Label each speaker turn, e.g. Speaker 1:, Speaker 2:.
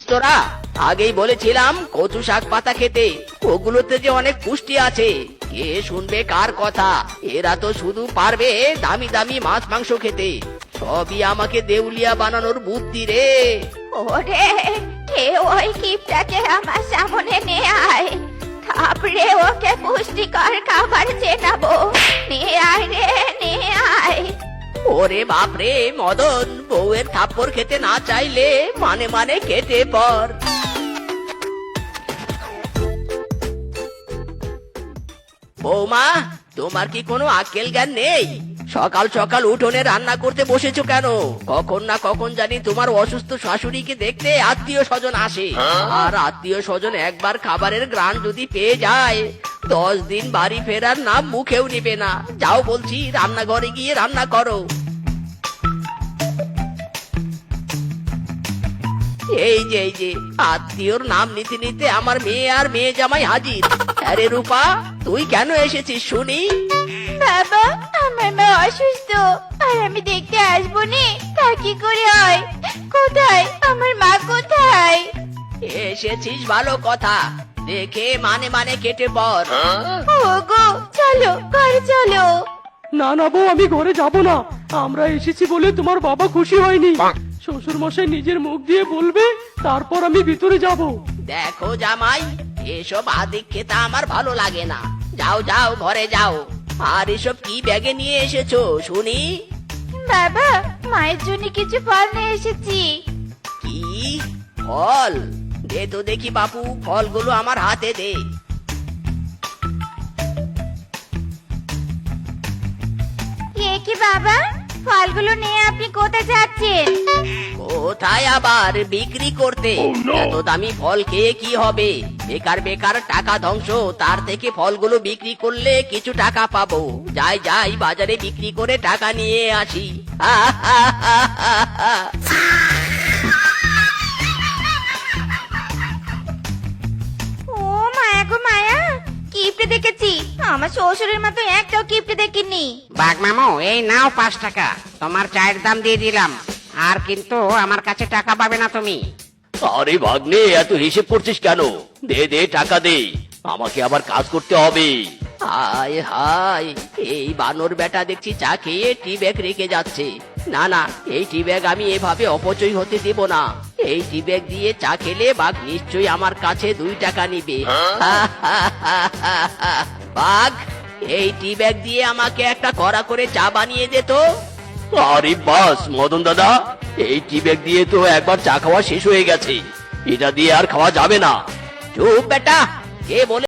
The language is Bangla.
Speaker 1: তোরা? আগেই বলেছিলাম কচু শাক পাতা খেতে, ওগুলোতে যে অনেক পুষ্টি আছে। কে শুনবে কার কথা? এরা তো শুধু পারবে দামি দামি মাছ মাংস খেতে। সবই আমাকে দেউলিয়া বানানোর বুদ্ধি রে।
Speaker 2: ওরে, ওই কিপটাকে আমার সামনে নিয়ে আয়, তারপরে ওকে পুষ্টিকর খাবার চেনাবো। নিয়ে আয় রে, নিয়ে আয়।
Speaker 1: ওরে বাপরে মদন, বউয়ের থাপ্পড় খেতে না চাইলে মানে মানে কেটে পর। বৌমা, তোমার কি কোনো আক্কেল জ্ঞান নেই? সকাল সকাল উঠোনে রান্না করতে বসেছো কেন? কখন না কখন জানি তোমার অসুস্থ শাশুড়িকে দেখতে আত্মীয় স্বজন আসে। আর আত্মীয় স্বজন একবার খাবারের গ্রাণ যদি পেয়ে যায়, 10 দিন বাড়ি ফেরার নাম মুখেও নিবে না। যাও বলছি, রান্নাঘরে গিয়ে রান্না করো। এই যে আত্মীয়র নাম নিতে নিতে আমার মেয়ে আর মেয়ে জামাই হাজির। আরে রূপা, তুই কেন এসেছিস শুনি?
Speaker 2: বাবা, আমার মা অসুস্থ, আর আমি দেখতে আসবো নি, তা কি করে হয়? কোথায় আমার মা, কোথায়?
Speaker 1: এসেছিস ভালো কথা, দেখে মানে মানে কেটে পর।
Speaker 2: ওগো, চলো ঘরে চলো।
Speaker 3: না না বউ, আমি ঘরে যাব না। আমরা এসেছি বলে তোমার বাবা খুশি হয়নি। শ্বশুর মশাই নিজের মুখ দিয়ে বলবে, তারপর আমি ভিতরে যাব।
Speaker 1: দেখো জামাই, এসব আদিক্ষেতা আমার ভালো লাগে না। যাও যাও, ঘরে যাও। আর এসব কি ব্যাগে নিয়ে এসেছো শুনি?
Speaker 2: বাবা, মায়ের জন্য কিছু ফল নিয়ে এসেছি।
Speaker 1: কি ফল? দে তো দেখি বাপু, ফলগুলো আমার হাতে দে।
Speaker 2: এ কি বাবা, ফলগুলো নিয়ে আপনি কোথায় যাচ্ছেন?
Speaker 1: কোথায় আবার? বিক্রি করতে। এত দামি ফল খেয়ে কি হবে? বেকার বেকার টাকা ধ্বংস, তার থেকে ফলগুলো বিক্রি করলে কিছু টাকা পাবো। যাই যাই, বাজারে বিক্রি করে টাকা নিয়ে আসি।
Speaker 2: ও মায়া গো মায়া, কিপটে দেখেছি। আমার শ্বশুরের মতো একটাও কিপটে দেখিনি।
Speaker 4: বাঘ মামু, এই নাও 5 টাকা, তোমার চায়ের দাম দিয়ে দিলাম। আর কিন্তু আমার কাছে টাকা পাবে না তুমি।
Speaker 1: আরে ভাগ্নে, এত হিসেব করছিস কেন? দে দে, টাকা দে, আমাকে আবার কাজ করতে হবে। হায় হায়, এই বানর বেটা দেখছি চা খেয়ে টি ব্যাগ রেখে যাচ্ছে। না না, এই টি ব্যাগ আমি এভাবে অপচয় হতে দেব না। এই টি ব্যাগ দিয়ে চা খেলে বাঘ নিশ্চয়ই আমার কাছে 2 টাকা নিবে। বাঘ, এই টি ব্যাগ দিয়ে আমাকে একটা কড়া করে চা বানিয়ে দে তো। আরে বাস মদন দাদা, এই টি ব্যাগ দিয়ে তো একবার চা খাওয়া শেষ হয়ে গেছে, এটা দিয়ে আর খাওয়া যাবে না। চুপ বেটা, কে বলে